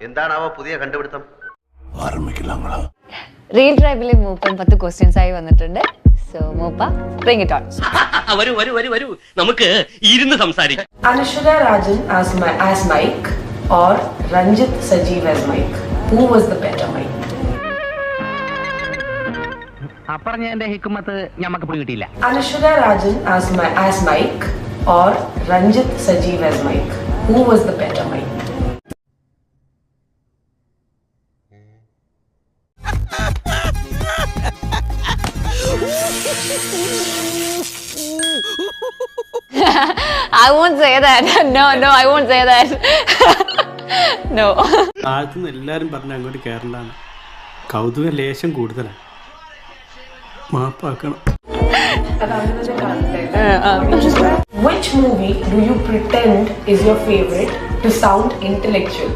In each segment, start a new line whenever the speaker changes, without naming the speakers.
എന്താണാവോ പുതിയ കണ്ടുപിടുത്തം?
റീൽ ട്രൈബിലെ മൂപ്പൻ 10 ക്വസ്റ്റ്യൻസ് ആയി വന്നിട്ടുണ്ട്. സോ മൂപ്പ ബ്രിങ് ഇറ്റ് ഓൺ.
വരൂ വരൂ വരൂ വരൂ, നമുക്ക് ഇരുന്ന് സംസാരിക്കാം.
Anushka Rajan as Mike or Ranjit Sajeev as Mike? Who was the better Mike?
പറഞ്ഞതിന്റെ ഹിക്കുമത്ത് ഞമ്മക്ക് പിടികിട്ടിയില്ല.
Anushka Rajan as Mike or Ranjit Sajeev as Mike? Who was the better Mike?
I won't say that. No, I won't say that. No.
ആദ്യം എല്ലാവരും പറഞ്ഞ അങ്ങോട്ട് കയറണ്ടാണ്. കൗതുക ലേശം കൂടുതലാണ്. മാപ്പാക്കണം.
Which movie do you pretend is your favorite to sound intellectual?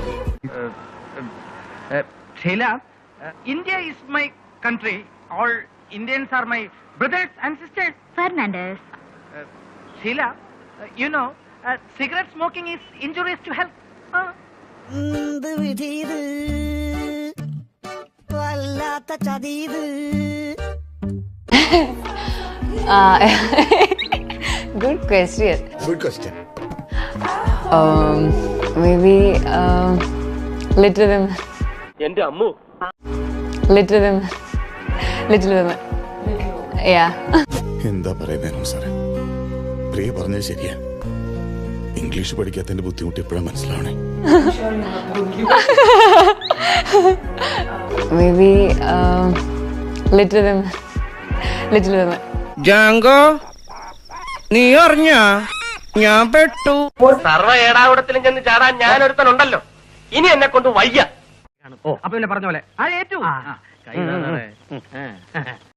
Sheila, India is my country. All Indians are my brothers and sisters.
Fernandez.
Sheila, you know, cigarette smoking is injurious to health.
Good question.
Good question.
Maybe Little Women.
എന്റെ Ammu,
Little Women. Little Women. Yeah.
എന്താ പറയുന്നതിനും സാറേ, പ്രിയ പറഞ്ഞത് ശരിയാ. English പഠിക്കാത്തതിന്റെ ബുദ്ധിമുട്ട് എപ്പോഴാണ് മനസ്സിലാവണേ.
Maybe Little Women. Little Women.
Jango, നീ അറിഞ്ഞ ഞാൻ പെട്ടു.
സർവ്വ ഏടാകുടത്തിലും ചെന്ന് ചാടാൻ ഞാൻ ഒരുത്തനുണ്ടല്ലോ. ഇനി എന്നെ കൊണ്ട് വയ്യ.
അപ്പൊ പിന്നെ പറഞ്ഞ പോലെ ആ ഏറ്റു.